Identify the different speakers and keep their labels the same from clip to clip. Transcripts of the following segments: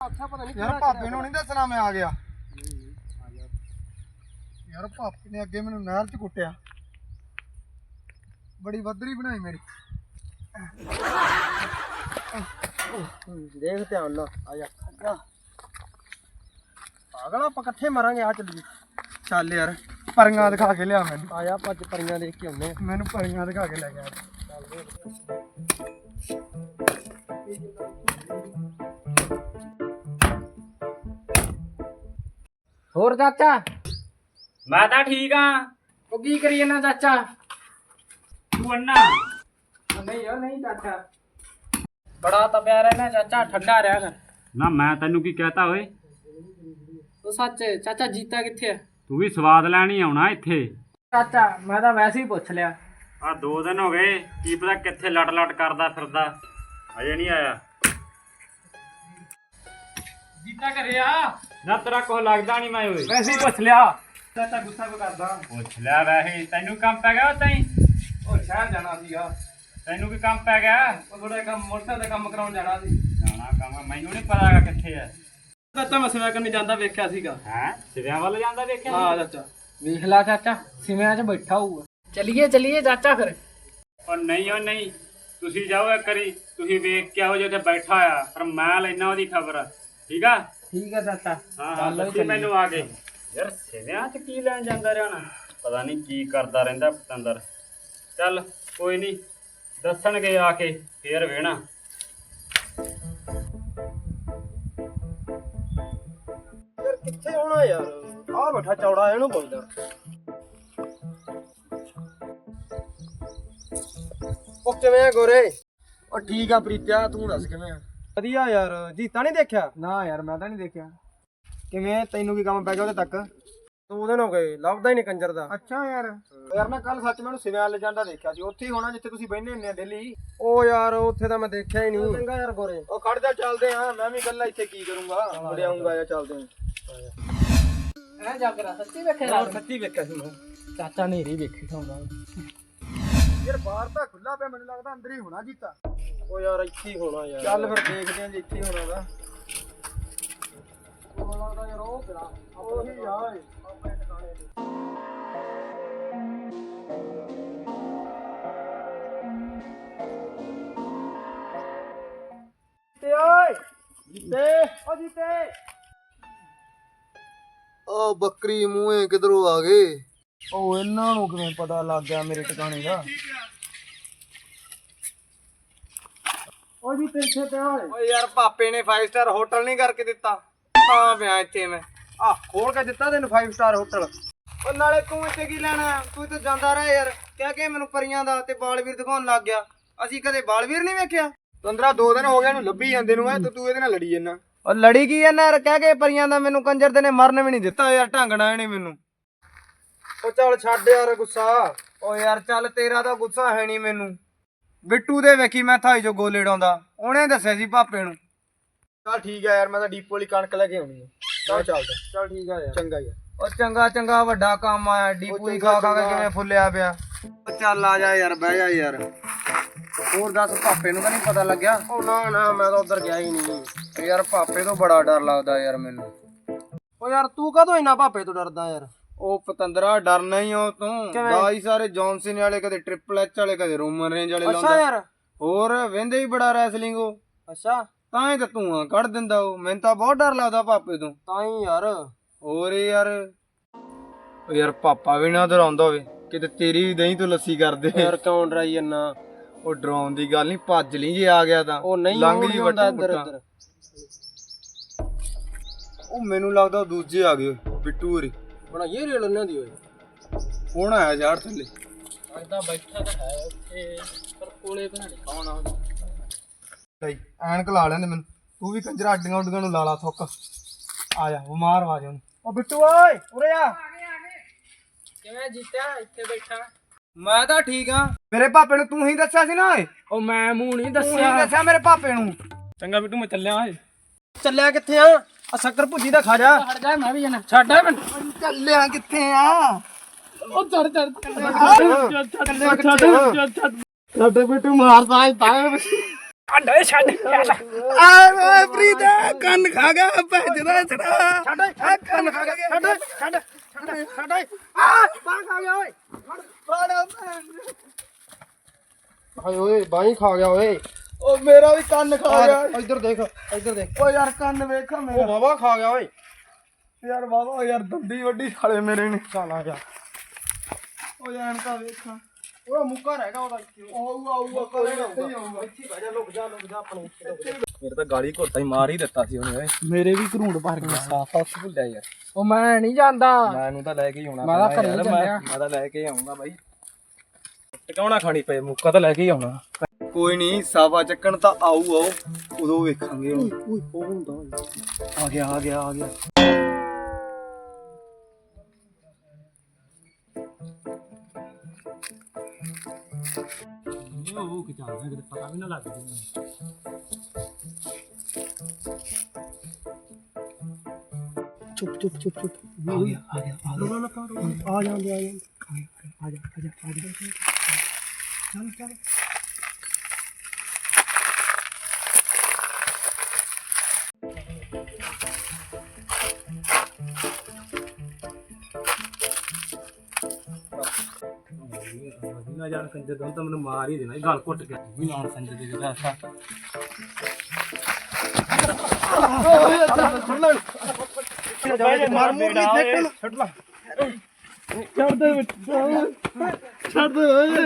Speaker 1: ਯਾਰ ਭਾਪੇ ਨੂੰ ਨਹੀਂ ਦੱਸਣਾ ਮੈਂ ਆ ਗਿਆ। ਯਾਰ ਭਾਪੇ ਨੇ ਅੱਗੇ ਮੈਨੂੰ ਨਹਿਰ 'ਚ ਕੁੱਟਿਆ, ਬੜੀ ਵੱਧਰੀ ਬਣਾਈ ਮੇਰੀ।
Speaker 2: ਦੇਖ ਧਿਆਨ ਨਾਲ ਆ ਜਾ। ਪਾਗਲ ਆਪਾਂ ਇਕੱਠੇ ਮਰਾਂਗੇ। ਆ ਚੱਲੀਏ।
Speaker 1: ਚੱਲ ਯਾਰ ਪਰੀਆਂ ਦਿਖਾ ਕੇ ਲਿਆ ਮੈਨੂੰ।
Speaker 2: ਆ ਜਾ ਭੱਜ ਪਰੀਆਂ ਦੇਖ ਕੇ ਆਉਂਦੇ ਆ।
Speaker 1: ਮੈਨੂੰ ਪਰੀਆਂ ਦਿਖਾ ਕੇ ਲੈ ਗਿਆ।
Speaker 2: ਹੋਰ ਚਾਚਾ?
Speaker 3: ਮੈਂ ਤਾਂ ਠੀਕ ਆ।
Speaker 2: ਉਹ ਕੀ ਕਰੀ ਜਾਂਦਾ ਚਾਚਾ?
Speaker 3: ਤੂੰ ਅੰਨਾ
Speaker 2: ਨਹੀਂ ਉਹ ਨਹੀਂ ਚਾਚਾ, ਬੜਾ ਤਪਿਆ ਰਹਿਣਾ ਚਾਚਾ, ਠੰਡਾ ਰਿਹਾ ਕਰ।
Speaker 3: ਨਾ ਮੈਂ ਤੈਨੂੰ ਕੀ ਕਹਤਾ ਓਏ?
Speaker 2: ਉਹ ਸੱਚ ਚਾਚਾ ਜੀਤਾ ਕਿੱਥੇ ਆ?
Speaker 3: ਤੂੰ ਵੀ ਸਵਾਦ ਲੈਣ ਹੀ ਆਉਣਾ ਇੱਥੇ।
Speaker 2: ਚਾਚਾ ਮੈਂ ਤਾਂ ਵੈਸੇ ਹੀ ਪੁੱਛ ਲਿਆ।
Speaker 3: ਆ 2 ਦਿਨ ਹੋ ਗਏ, ਕੀ ਪਤਾ ਕਿੱਥੇ ਲਟ ਕਰਦਾ ਫਿਰਦਾ, ਅਜੇ ਨਹੀਂ ਆਇਆ।
Speaker 2: ਜੀਤਾ ਘਰੇ ਆ?
Speaker 3: ਨਾ ਤੇਰਾ ਕੁਛ ਲੱਗਦਾ ਨਹੀਂ ਮੈਂ ਓਏ।
Speaker 2: ਵੈਸੇ ਹੀ ਪੁੱਛ ਲਿਆ। ਚਾਚਾ ਗੁੱਸਾ ਕਿਉਂ ਕਰਦਾ?
Speaker 3: ਪੁੱਛ ਲਿਆ ਵੈਸੇ। ਤੈਨੂੰ ਕੰਮ ਪੈ ਗਿਆ ਉਤਾਂ ਹੀ?
Speaker 2: ਉਹ ਸ਼ਹਿਰ ਜਾਣਾ ਸੀਗਾ।
Speaker 3: ਤੈਨੂੰ ਕੀ ਕੰਮ ਪੈ ਗਿਆ?
Speaker 2: ਉਹ ਥੋੜਾ ਕੰਮ ਮੋਟਰਸਾਈਕਲ ਦਾ ਕੰਮ ਕਰਾਉਣ ਜਾਣਾ ਸੀ।
Speaker 3: ਜਾਣਾ ਕੰਮ ਮੈਨੂੰ ਨਹੀਂ ਪਤਾ ਹੈਗਾ ਕਿੱਥੇ ਆ।
Speaker 2: ਚਾਚਾ ਮੈਂ ਸਿਵਾ ਕਰਨੀ ਜਾਂਦਾ ਵੇਖਿਆ ਸੀਗਾ।
Speaker 3: ਹੈ ਸਿਵਿਆਂ ਵੱਲ ਜਾਂਦਾ ਦੇਖਿਆ?
Speaker 2: ਹਾਂ ਚਾਚਾ ਵੇਖ ਲਾ ਚਾਚਾ, ਸਿਵਿਆਂ 'ਚ ਬੈਠਾ ਹੋਊਗਾ। ਚਲੀਏ ਚਾਚਾ ਫਿਰ।
Speaker 3: ਉਹ ਨਹੀਂ ਤੁਸੀਂ ਜਾਓ ਇੱਕ ਵਾਰੀ, ਤੁਸੀਂ ਵੇਖ ਕੇ ਆਓ ਜੇ ਉੱਥੇ ਬੈਠਾ ਆ, ਪਰ ਮੈਂ ਲੈਣਾ ਉਹਦੀ ਖਬਰ। ਠੀਕ ਆ?
Speaker 2: ਠੀਕ ਆ ਚਾਚਾ।
Speaker 3: ਹਾਂ ਦੱਸੀ ਮੈਨੂੰ ਆ ਕੇ। ਯਾਰ ਸਿਵਿਆਂ 'ਚ ਕੀ ਲੈਣ ਜਾਂਦਾ ਰਿਹਾ ਨਾ, ਪਤਾ ਨਹੀਂ ਕੀ ਕਰਦਾ ਰਹਿੰਦਾ ਪਤੰਦਰ। ਚੱਲ ਕੋਈ ਨਹੀਂ, ਦੱਸਣਗੇ ਆ ਕੇ ਫੇਰ ਵੇਣਾ।
Speaker 2: ਯਾਰ ਕਿੱਥੇ ਹੋਣਾ ਯਾਰ? ਆ ਬੈਠਾ ਚੌੜਾ, ਇਹਨੂੰ ਪੁੱਛਦਾ। ਉਹ ਕਿਵੇਂ ਆ ਗੋਰੇ?
Speaker 1: ਉਹ ਠੀਕ ਆ ਪ੍ਰੀਤਿਆ, ਤੂੰ ਦੱਸ ਕਿਵੇਂ ਆ?
Speaker 2: ਵਧੀਆ ਯਾਰ। ਜੀਤਾ ਨਹੀਂ ਦੇਖਿਆ?
Speaker 1: ਨਾ ਯਾਰ ਮੈਂ ਤਾਂ ਨਹੀਂ ਦੇਖਿਆ।
Speaker 2: ਕਿਵੇਂ ਤੈਨੂੰ ਕੀ ਕੰਮ ਪੈ ਗਿਆ ਉਹਦੇ ਤੱਕ? 2 ਦਿਨ ਹੋ ਗਏ, ਲੱਭਦਾ ਹੀ ਨਹੀਂ ਕੰਜਰ ਦਾ।
Speaker 1: ਅੱਛਾ ਯਾਰ ਮੈਂ ਕੱਲ ਸੱਚ ਮੈਨੂੰ ਸਿਵਿਆਂ ਲੈ ਜਾਂਦਾ ਦੇਖਿਆ ਸੀ। ਉੱਥੇ ਹੀ ਹੋਣਾ ਜਿੱਥੇ ਤੁਸੀਂ ਬਹਿੰਦੇ ਹੁੰਦੇ ਆ ਡੇਲੀ।
Speaker 2: ਉਹ ਯਾਰ ਉੱਥੇ ਤਾਂ ਮੈਂ ਦੇਖਿਆ ਹੀ ਨਹੀਂ। ਚੰਗਾ ਯਾਰ ਗੋਰੇ।
Speaker 1: ਉਹ ਖੜ ਜਾ, ਚੱਲਦੇ ਆ। ਮੈਂ ਵੀ ਇਕੱਲਾ ਇੱਥੇ ਕੀ ਕਰੂੰਗਾ, ਮੁੜ ਆਉਂਗਾ ਜਾਂ ਚੱਲਦੇ ਆ।
Speaker 2: ਐ ਜਾਗਰਾ ਸੱਚੀ ਵੇਖਿਆ?
Speaker 1: ਹੋਰ ਸੱਚੀ ਵੇਖਿਆ ਸੀ ਮੈਂ।
Speaker 2: ਚਾਚਾ ਨੇਰੀ ਵੇਖੀ ਠਾਉਂਦਾ।
Speaker 1: ਯਾਰ ਬਾਹਰ ਤਾਂ ਖੁੱਲਾ ਪਿਆ, ਮੈਨੂੰ ਲੱਗਦਾ ਅੰਦਰ ਹੀ ਹੋਣਾ ਜੀਤਾ।
Speaker 2: ਉਹ ਯਾਰ ਇੱਥੇ ਹੀ ਹੋਣਾ ਯਾਰ।
Speaker 1: ਚੱਲ ਫਿਰ ਦੇਖਦੇ ਆਂ ਜੇ ਇੱਥੇ ਹੀ ਹੋਣਾ ਵਾ।
Speaker 2: ਮੈਨੂੰ ਲੱਗਦਾ ਯਾਰ ਉਹ ਪਿਆ
Speaker 1: ਉਹੀ ਆ ਆਪਣੇ ਟਿਕਾਣੇ ਤੇ।
Speaker 2: ਜੀਤੇ ਓਏ, ਜੀਤੇ ਓ ਜੀਤੇ।
Speaker 1: ਉਹ ਬੱਕਰੀ ਮੂੰਹੇ ਕਿਧਰੋਂ ਆ ਗਏ? ਉਹ ਇਹਨਾਂ ਨੂੰ ਕਿਵੇਂ ਪਤਾ ਲੱਗ ਗਿਆ ਮੇਰੇ ਟਿਕਾਣੇ ਦਾ?
Speaker 2: ਓ ਜੀਤੇ ਇੱਥੇ ਪਿਆ ਓਏ।
Speaker 1: ਓਏ ਯਾਰ ਪਾਪੇ ਨੇ 5 ਸਟਾਰ ਹੋਟਲ ਨਹੀਂ ਕਰਕੇ ਦਿੱਤਾ, ਤਾਂ ਪਿਆ ਇੱਥੇ ਮੈਂ। ਆ ਖੋਲ ਕੇ ਦਿੱਤਾ ਤੈਨੂੰ 5 ਸਟਾਰ ਹੋਟਲ। ਉਹ ਨਾਲੇ ਤੂੰ ਇੱਥੇ ਕੀ ਲੈਣਾ? ਤੂੰ ਤਾਂ ਜਾਂਦਾ ਰਹਿ ਯਾਰ। ਕਹਿ ਕੇ ਮੈਨੂੰ ਪਰੀਆਂ ਦਾ ਤੇ ਬਾਲਵੀਰ ਦਿਖਾਉਣ ਲੱਗ ਗਿਆ। ਅਸੀਂ ਕਦੇ ਬਾਲਵੀਰ ਨਹੀਂ ਵੇਖਿਆ। 2 ਦਿਨ ਹੋ ਗਏ ਇਹਨੂੰ ਲੱਭੀ ਜਾਂਦੇ ਨੂੰ। ਤੇ ਤੂੰ ਇਹਦੇ ਨਾਲ ਲੜੀ ਜਾਂਦਾ। ਉਹ ਲੜੀ ਕੀ ਜਾਂਦਾ ਯਾਰ? ਕਹਿ ਕੇ ਪਰੀਆਂ ਦਾ ਮੈਨੂੰ ਕੰਜਰ ਦੇ ਨੇ ਮਰਨ ਵੀ ਨਹੀਂ ਦਿੱਤਾ ਯਾਰ, ਢੰਗਣਾ ਇਹਨੇ ਮੈਨੂੰ। ਉਹ ਚੱਲ ਛੱਡ ਯਾਰ ਗੁੱਸਾ। ਓ ਯਾਰ ਚੱਲ, ਤੇਰਾ ਤਾਂ ਗੁੱਸਾ ਹੈ ਨਹੀਂ ਮੈਨੂੰ। ਬਿੱਟੂ ਦੇ ਵੇਖੀ ਮੈਂ ਥਾਈ ਜੋ ਗੋਲੇ ਡਾਉਂਦਾ, ਉਹਨੇ ਦੱਸਿਆ ਸੀ ਭਾਪੇ ਨੂੰ। ਚੱਲ ਠੀਕ ਆ ਯਾਰ, ਮੈਂ ਤਾਂ ਡੀਪੋ ਵਾਲੀ ਕਣਕ ਲੈ ਕੇ ਆਉਣੀ ਆ। ਚੱਲ ਚੱਲਦਾ।
Speaker 2: ਚੱਲ ਠੀਕ ਆ ਯਾਰ।
Speaker 1: ਚੰਗਾ ਯਾਰ। ਉਹ ਚੰਗਾ ਵੱਡਾ ਕੰਮ ਆਇਆ। ਡੀਪੂ ਹੀ ਖਾ ਕੇ ਕਿਵੇਂ ਫੁੱਲਿਆ ਪਿਆ। ਉਹ ਚੱਲ ਆ ਜਾ ਯਾਰ, ਬਹਿ ਜਾ ਯਾਰ। ਹੋਰ ਦੱਸ, ਭਾਪੇ ਨੂੰ ਤਾਂ ਨਹੀਂ ਪਤਾ ਲੱਗਿਆ?
Speaker 2: ਉਹ ਨਾ ਮੈਂ ਤਾਂ ਉਧਰ ਗਿਆ ਹੀ ਨਹੀਂ
Speaker 1: ਯਾਰ ਭਾਪੇ ਤੋਂ ਬੜਾ ਡਰ ਲੱਗਦਾ ਯਾਰ ਮੈਨੂੰ।
Speaker 2: ਉਹ ਯਾਰ ਤੂੰ ਕਦੋਂ ਇੰਨਾ ਭਾਪੇ ਤੋਂ ਡਰਦਾ ਯਾਰ?
Speaker 1: ਉਹ ਪਤੰਦਰਾ ਡਰਨਾ ਹੀ ਉਹ ਤੂੰ। ਦਾਈ ਸਾਰੇ ਜੌਨਸਨ ਵਾਲੇ, ਕਦੇ ਟ੍ਰਿਪਲ ਐਚ ਵਾਲੇ, ਕਦੇ ਰੋਮਨ ਰੇਂਜ ਵਾਲੇ ਲਾਉਂਦਾ।
Speaker 2: ਅੱਛਾ ਯਾਰ।
Speaker 1: ਹੋਰ ਵਹਿੰਦੇ ਹੀ ਬੜਾ ਰੈਸਲਿੰਗ ਉਹ।
Speaker 2: ਅੱਛਾ
Speaker 1: ਤਾਂ ਹੀ ਤਾਂ ਧੂਆਂ ਕੱਢ ਦਿੰਦਾ ਉਹ। ਮੈਨੂੰ ਤਾਂ ਬਹੁਤ ਡਰ ਲੱਗਦਾ ਭਾਪੇ ਤੋਂ।
Speaker 2: ਤਾਂ ਹੀ ਯਾਰ।
Speaker 1: ਹੋਰ ਯਾਰ। ਉਹ ਯਾਰ ਪਾਪਾ ਵੀ ਨਾ ਡਰਾਉਂਦਾ ਹੋਵੇ ਕਿਤੇ ਤੇਰੀ ਵੀ ਦਹੀਂ ਤੋਂ ਲੱਸੀ ਕਰਦੇ।
Speaker 2: ਯਾਰ ਕਿਉਂ ਡਰਾਈ ਜੰਨਾ?
Speaker 1: ਉਹ ਡਰਾਉਣ ਦੀ ਗੱਲ ਨਹੀਂ, ਭੱਜ ਲਈ ਜੇ ਆ ਗਿਆ ਤਾਂ।
Speaker 2: ਉਹ ਨਹੀਂ
Speaker 1: ਲੰਘ ਜੀ
Speaker 2: ਹੁੰਦਾ
Speaker 1: ਵੱਟਾ
Speaker 2: ਇੱਧਰ
Speaker 1: ਪੁੱਟਾ। ਉਹ ਮੈਨੂੰ ਲੱਗਦਾ ਦੂਜੇ ਆ ਗਏ ਬਿੱਟੂ ਹੋਰੀ।
Speaker 2: ਬਣਾਈਏ ਰੇਲ ਉਹਨਾਂ ਦੀ ਓਏ।
Speaker 1: ਹੁਣ ਆਇਆ ਯਾਰ ਥੱਲੇ।
Speaker 2: ਅੱਦਾ ਬੈਠਾ ਤਾਂ ਹੈ ਉੱਥੇ, ਪਰ ਕੋਲੇ ਬਣਾ ਨਹੀਂ ਕੌਣ ਆ।
Speaker 1: ਭਾਈ ਐਨਕ ਲਾ ਲੈਂਦੇ ਮੈਨੂੰ। ਤੂੰ ਵੀ ਕੰਜਰਾ ਅੱਡੀਆਂ ਉੱਡੀਆਂ ਨੂੰ ਲਾ ਲਾ ਥੁੱਕ। ਆ ਜਾ, ਬਿਮਾਰ ਆ ਜਾ ਉਹਨੂੰ। ਉਹ ਬਿੱਟੂ ਓਏ ਉਰੇ ਆ।
Speaker 2: ਕਿਵੇਂ ਜੀਤਿਆ ਇੱਥੇ ਬੈਠਾ?
Speaker 1: ਮੈਂ ਤਾਂ ਠੀਕ ਆ। ਮੇਰੇ ਪਾਪੇ ਨੂੰ ਤੂੰ ਹੀ ਦੱਸਿਆ ਸੀ ਨਾ ਓਏ।
Speaker 2: ਉਹ ਮੈਂ ਮੂੰਹ ਨਹੀਂ
Speaker 1: ਤੂੰ ਹੀ ਦੱਸਿਆ ਮੇਰੇ ਪਾਪੇ ਨੂੰ।
Speaker 2: ਚੰਗਾ ਬਿੱਟੂ ਮੈਂ ਚੱਲਿਆ ਓਏ। ਚੱਲਿਆ ਕਿੱਥੇ ਆ? ਆ ਸ਼ੱਕਰ ਭੁੱਜੀ ਦਾ ਖਾ ਜਾ। ਛੱਡ ਜਾ, ਮੈਂ ਵੀ ਜਾਣਾ। ਛੱਡ ਆ ਮੈਨੂੰ।
Speaker 1: ਚੱਲਿਆ ਕਿੱਥੇ ਆ?
Speaker 2: ਉਹ ਛੱਡ ਬਿੱਟੂ ਮਾਰਦਾ ਹੈ ਤਾਂ। ਛੱਡ ਛੱਡ
Speaker 1: ਆਏ ਓਏ ਪ੍ਰੀਤ। ਕੰਨ ਖਾ ਗਿਆ ਭੈਜਦਾ ਛੜਾ ਛੱਡ ਕੰਨ ਖਾ ਗਿਆ ਛੱਡ ਛੱਡ ਛੱਡ ਆ ਬਾਹ ਖਾ ਗਿਆ ਓਏ
Speaker 2: ਹਾਏ ਓਏ ਬਾਈ ਖਾ ਗਿਆ ਓਏ।
Speaker 1: ਓ ਮੇਰਾ ਵੀ ਕੰਨ ਖਾ ਗਿਆ
Speaker 2: ਇੱਧਰ ਦੇਖ ਇੱਧਰ ਦੇਖ।
Speaker 1: ਓ ਯਾਰ ਕੰਨ ਵੇਖ
Speaker 2: ਉਹ
Speaker 1: ਮੇਰਾ
Speaker 2: ਬਾਬਾ ਖਾ ਗਿਆ ਓਏ।
Speaker 1: ਯਾਰ ਬਾਬਾ ਯਾਰ ਦੰਦੀ ਵੱਡੀ ਸਾਲੇ ਮੇਰੇ ਨੇ
Speaker 2: ਚੱਲ ਆ ਜਾ।
Speaker 1: ਓ ਯਾਰ ਤਾਂ ਵੇਖਾਂ
Speaker 2: ਉਹ ਮੁੱਕਾ ਰਹਿ ਗਿਆ ਉਹਦਾ।
Speaker 1: ਆਊਗਾ ਕੋਈ ਨਾ ਆਊਗਾ
Speaker 2: ਇੱਥੇ ਬਹਿ ਜਾ ਲੁਕ ਜਾ ਆਪਣੇ। ਮੇਰੇ ਤਾਂ ਗਾਲੀ ਘੋਟਾ ਹੀ ਮਾਰ ਹੀ ਦਿੱਤਾ ਸੀ ਉਹਨੇ ਓਏ। ਮੇਰੇ ਵੀ ਘਰੂੜ ਭਰ ਗਿਆ ਸਾਫ ਸਾਫ ਭੁੱਲਿਆ ਯਾਰ।
Speaker 4: ਉਹ ਮੈਂ ਨਹੀਂ ਜਾਂਦਾ।
Speaker 2: ਮੈਨੂੰ ਤਾਂ ਲੈ ਕੇ ਹੀ ਆਉਣਾ।
Speaker 4: ਮੈਂ ਤਾਂ ਘਰੇ ਚੱਲਿਆ।
Speaker 2: ਮੈਂ ਤਾਂ ਲੈ ਕੇ ਆਉਂਗਾ ਬਾਈ। ਟਿਕਾਉਣਾ ਖਾਣੀ ਪਏ ਮੁੱਕਾ ਤਾਂ ਲੈ ਕੇ ਹੀ ਆਉਣਾ।
Speaker 1: ਕੋਈ ਨਹੀਂ ਸਾਵਾ ਚੱਕਣ ਤਾਂ ਆਊ ਉਦੋਂ ਵੇਖਾਂਗੇ ਹੁਣ
Speaker 2: ਓਏ ਉਹ ਹੁੰਦਾ
Speaker 1: ਆ ਗਿਆ ਆ ਗਿਆ ਆ ਗਿਆ
Speaker 2: ਉਹ ਕਿ ਚੱਲਦਾ ਕਿਤੇ ਪਤਾ ਵੀ ਨਾ ਲੱਗ ਜੇ।
Speaker 1: ਚੁੱਪ ਚੁੱਪ ਚੁੱਪ ਚੁੱਪ ਆ ਗਿਆ ਆ ਗਿਆ ਆ ਗਿਆ ਆ ਜਾਂਦੇ ਆ ਜਾਂਦੇ ਆ ਜਾ ਆ ਜਾ ਆ ਜਾ ਚੱਲ ਚੱਲ
Speaker 2: ਨਾ ਜਾਣ ਕੰਜਰ ਤੋਂ ਤਾਂ ਮੈਨੂੰ ਮਾਰ ਹੀ ਦੇਣਾ। ਗਲ ਘੁੱਟ ਗਿਆ ਵੀ ਨਾਲ ਕੰਜਰ ਦੇ ਜਿਹੜਾ ਐਸਾ
Speaker 1: ਮਾਰ ਮੂਰ ਨਹੀਂ ਫੇਕਣ ਛੱਡ ਲਾ ਛੱਡ ਦੇ ਛੱਡ ਦੇ ਓਏ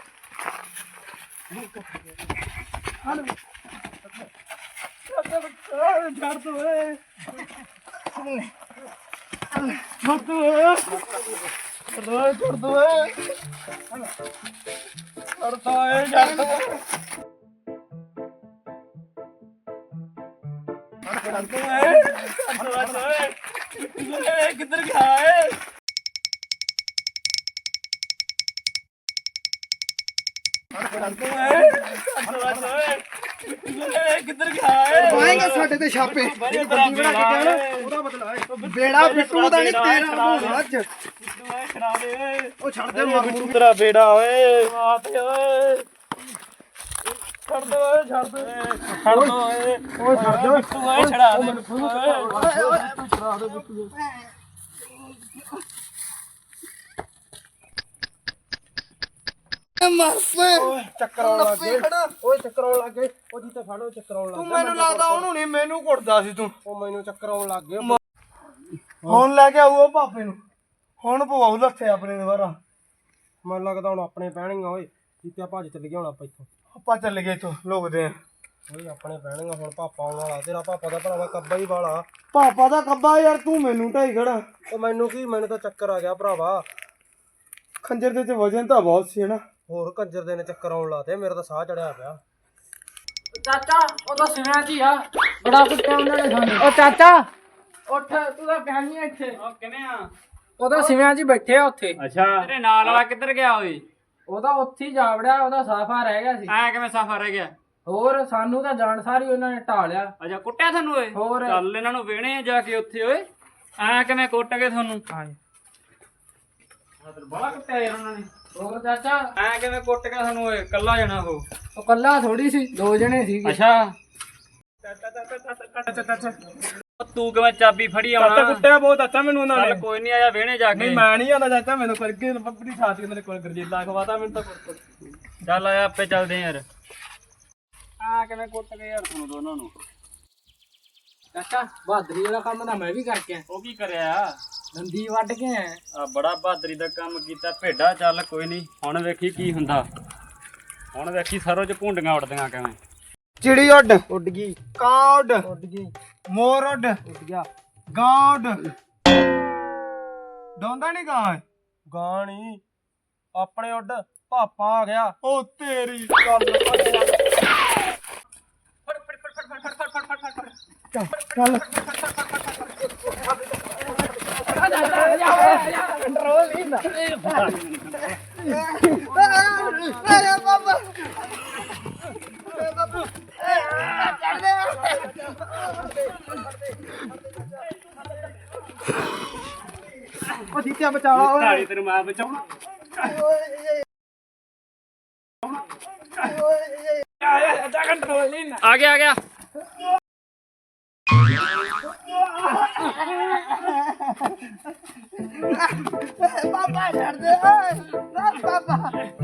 Speaker 1: ਛੱਡ ਦੇ ਓਏ ਛੱਡ ਦੇ ਓਏ ਛੱਡ ਦੇ ਓਏ ਕਰਤਾ ਏ ਛੱਡ ਦੇ ਕਿੱਧਰ ਗਿਆ ਏ ਕਿੱਧਰ ਗਿਆ ਏ ਪਾਏਗਾ ਸਾਡੇ ਤੇ ਛਾਪੇ ਉਹਦਾ ਬਦਲਾ ਬੇੜਾ ਬਿੱਟੂ ਦਾ ਨਹੀਂ ਤੇਰਾ ਹੋਣਾ ਅੱਜ ਉਹ ਛੱਡ ਦੇ ਮਾਰ ਤੇਰਾ ਬੇੜਾ ਓਏ ਮਾਤੇ ਓਏ ਛੱਡ ਦੇ ਓਏ ਛੱਡ ਦੇ ਛੱਡ ਦੇ ਓਏ ਓਏ ਛੱਡ ਦੇ ਬਿੱਟੂ ਓਏ ਛੜਾ ਦੇ ਓਏ ਛੜਾ ਦੇ ਬਿੱਟੂ ਮਰ ਪੇ ਓਏ ਚੱਕਰ ਆਉਣ ਲੱਗ ਗਏ ਓਏ ਚੱਕਰ ਆਉਣ ਲੱਗ ਗਏ ਉਹ ਜੀ ਤੇ ਫੜੋ ਚੱਕਰ ਆਉਣ ਲੱਗ ਗਏ ਤੂੰ ਮੈਨੂੰ ਲੱਗਦਾ ਉਹਨੂੰ ਨਹੀਂ ਮੈਨੂੰ ਘੁੱਟਦਾ ਸੀ ਤੂੰ ਉਹ ਮੈਨੂੰ ਚੱਕਰ ਆਉਣ ਲੱਗ ਗਏ ਹੁਣ ਲੈ ਕੇ ਆਊ ਉਹ ਪਾਪੇ ਨੂੰ ਹੁਣ ਪਵਾਉ ਲੱਥੇ ਆਪਣੇ ਦੁਬਾਰਾ
Speaker 2: ਮੈਨੂੰ ਲੱਗਦਾ ਹੁਣ ਆਪਣੇ ਪੈਣੀਆਂ ਓਏ ਜਿੱਤੇ ਭੱਜ ਚੱਲ ਗਿਆ ਹੁਣ ਆਪਾਂ ਇੱਥੋਂ।
Speaker 1: ਆਪਾਂ ਚੱਲ ਗਏ ਇੱਥੋਂ ਲੋਕਦੇ ਆ
Speaker 2: ਓਏ ਆਪਣੇ ਪੈਣੀਆਂ ਹੁਣ ਪਾਪਾ ਆਉਣ ਵਾਲਾ। ਤੇਰਾ ਪਾਪਾ ਦਾ ਭਰਾਵਾ ਕੱਬਾ ਹੀ ਵਾਲਾ।
Speaker 1: ਪਾਪਾ ਦਾ ਕੱਬਾ ਯਾਰ ਤੂੰ ਮੈਨੂੰ ਢਾਈ ਖੜਾ
Speaker 2: ਉਹ ਮੈਨੂੰ ਕੀ ਮੈਨੂੰ ਤਾਂ ਚੱਕਰ ਆ ਗਿਆ ਭਰਾਵਾ।
Speaker 1: ਖੰਜਰ ਦੇ ਤੇ ਵਜਨ ਤਾਂ ਬਹੁਤ ਸੀ ਹਨਾ
Speaker 2: ਹੋਰ ਕੰਜਰ ਦੇ ਨੇ ਚੱਕਰ ਆਉਣ ਲਾਤੇ। ਮੇਰਾ ਤਾਂ ਸਾਹ ਚੜਿਆ ਪਿਆ।
Speaker 4: ਚਾਚਾ ਉਹ ਤਾਂ ਸਿਵਿਆਂ 'ਚ ਹੀ ਆ। ਬੜਾ ਕੁੱਟਿਆ ਉਹਨਾਂ ਨੇ ਸਾਨੂੰ। ਉਹ ਚਾਚਾ ਉੱਠ ਤੂੰ ਤਾਂ ਪਿਆ ਨਹੀਂ ਇੱਥੇ।
Speaker 3: ਉਹ ਕਿਵੇਂ ਆ?
Speaker 4: ਉਹ ਤਾਂ ਸਿਵਿਆਂ 'ਚ ਹੀ ਬੈਠੇ ਆ ਉੱਥੇ।
Speaker 3: ਅੱਛਾ ਤੇਰੇ ਨਾਲ ਵਾਲਾ ਕਿੱਧਰ ਗਿਆ ਓਏ?
Speaker 4: ਉਹ ਤਾਂ ਉੱਥੇ ਹੀ ਜਾ ਵੜਿਆ। ਉਹਦਾ ਸਾਫਾ ਰਹਿ ਗਿਆ ਸੀ।
Speaker 3: ਐ ਕਿਵੇਂ ਸਫਰ ਰਹਿ ਗਿਆ?
Speaker 4: ਹੋਰ ਸਾਨੂੰ ਤਾਂ ਜਾਣ ਸਾਰੀ ਉਹਨਾਂ ਨੇ ਢਾ ਲਿਆ।
Speaker 3: ਅੱਛਾ ਕੁੱਟਿਆ ਤੁਹਾਨੂੰ ਓਏ?
Speaker 4: ਹੋਰ
Speaker 3: ਚੱਲ ਇਹਨਾਂ ਨੂੰ ਵੇਣੇ ਜਾ ਕੇ ਉੱਥੇ ਓਏ। ਐ ਕਿਵੇਂ ਕੁੱਟ ਗਏ ਤੁਹਾਨੂੰ? ਬੜਾ ਕੁੱਟਿਆ ਯਾਰ ਉਹਨਾਂ ਨੇ।
Speaker 4: ਹੋਰ ਚਾਚਾ
Speaker 3: ਐ ਕਿਵੇਂ ਕੁੱਟ ਗਿਆ ਤੁਹਾਨੂੰ ਓਏ? ਕੱਲਾ ਜਾਣਾ ਉਹ
Speaker 4: ਕੱਲਾ ਥੋੜੀ ਸੀ, ਦੋ ਜਣੇ ਸੀ।
Speaker 3: ਅੱਛਾ ਤੂੰ ਕਿਵੇਂ ਚਾਬੀ ਫੜੀ ਆਉਣਾ?
Speaker 2: ਕੁੱਟਿਆ ਬਹੁਤ ਅੱਛਾ ਮੈਨੂੰ ਉਹਨਾਂ
Speaker 3: ਚੱਲ ਕੋਈ ਨਹੀਂ ਆਇਆ ਵੇਣੇ ਜਾ ਕੇ।
Speaker 2: ਮੈਂ ਨਹੀਂ ਆਉਂਦਾ ਚਾਚਾ। ਮੈਨੂੰ ਕਰਕੇ ਬੱਬੜੀ ਸਾਥ ਕੇ ਮੇਰੇ ਕੋਲ ਗਰਜੀਲਾ ਖਵਾਤਾ ਮੈਨੂੰ ਤਾਂ।
Speaker 3: ਚੱਲ ਆਇਆ ਆਪੇ ਚੱਲਦੇ ਯਾਰ। ਆ ਕਿਵੇਂ ਕੁੱਟ ਗਏ ਯਾਰ ਤੁਹਾਨੂੰ ਦੋਨਾਂ ਨੂੰ?
Speaker 4: ਚਾਚਾ ਬਹਾਦਰੀ ਵਾਲਾ ਕੰਮ ਤਾਂ ਮੈਂ ਵੀ ਕਰਕੇ ਆਇਆ।
Speaker 3: ਉਹ ਕੀ ਕਰਿਆ?
Speaker 4: ਦੰਦੀ ਵੱਢ ਕੇ ਆਇਆ।
Speaker 3: ਆ ਬੜਾ ਬਹਾਦਰੀ ਦਾ ਕੰਮ ਕੀਤਾ ਭੇਡਾ। ਚੱਲ ਕੋਈ ਨਹੀਂ ਹੁਣ ਵੇਖੀ ਕੀ ਹੁੰਦਾ। ਹੁਣ ਵੇਖੀ ਸਰੋਂ ਚ ਭੁੰਡੀਆਂ ਉੱਡਦੀਆਂ ਕਿਵੇਂ।
Speaker 1: ਚਿੜੀ ਉੱਡ
Speaker 2: ਉੱਡ ਗਈ
Speaker 1: ਕਾਂ ਉੱਡ
Speaker 2: ਉੱਡ ਗਈ
Speaker 1: ਮੋਰ ਉੱਡ
Speaker 2: ਉੱਡ ਗਿਆ।
Speaker 1: ਗਾਂ ਉੱਡ ਡੋਂਦਾ ਨਹੀਂ ਗਾਂ
Speaker 2: ਗਾਣੀ ਆਪਣੇ ਉੱਡ ਪਾਪਾ ਆ ਗਿਆ।
Speaker 1: ਉਹ ਤੇਰੀ ਚੱਲ
Speaker 4: ਕੰਟਰੋਲ ਨਹੀਂ ਹੁੰਦਾ।
Speaker 1: ਅਰੇ ਬਾਬਾ ਉਹ ਜੀਤਿਆ ਬਚਾ ਓਏ
Speaker 3: ਢਾੜੀ ਤੈਨੂੰ ਮੈਂ ਬਚਾਉਣਾ।
Speaker 4: ਕੰਟਰੋਲ ਨਹੀਂ ਹੁੰਦਾ।
Speaker 3: ਆ ਗਿਆ
Speaker 1: ਪਾਪਾ ਛੱਡ ਦੇ ਓਏ ਪਾਪਾ